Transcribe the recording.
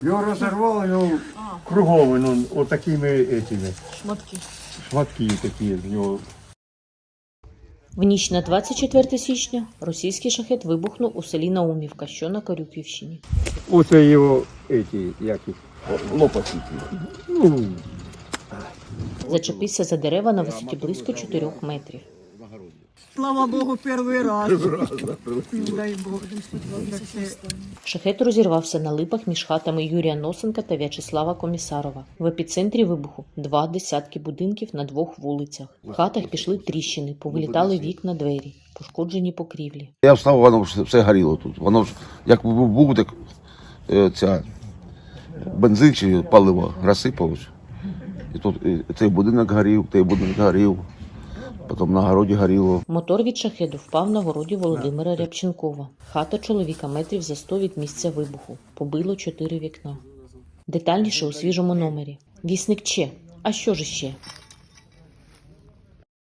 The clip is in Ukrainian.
Його розірвало, його кругом, ну, отакими этими. Шматки такі з нього. В ніч на 24 січня російський шахет вибухнув у селі Наумівка, що на Корюківщині. Оце його, як їх, лопасті. Ну, Зачепився за дерева на висоті близько 4 метрів. Слава Богу, перший раз. Дай Бог. Шахет розірвався на липах між хатами Юрія Носенка та В'ячеслава Комісарова. В епіцентрі вибуху 2 десятки будинків на 2 вулицях. В хатах пішли тріщини, повилітали вікна, двері, пошкоджені покрівлі. Я встав, воно все горіло тут. Воно ж як був, так ця бензин чи паливо розсипалось. І тут і цей будинок горів, той будинок горів, потім на городі горіло. Мотор від шахеду впав на городі Володимира Рябченкова. Хата чоловіка метрів за 100 від місця вибуху. Побило 4 вікна. Детальніше у свіжому номері. Вісник Че. А що ж іще?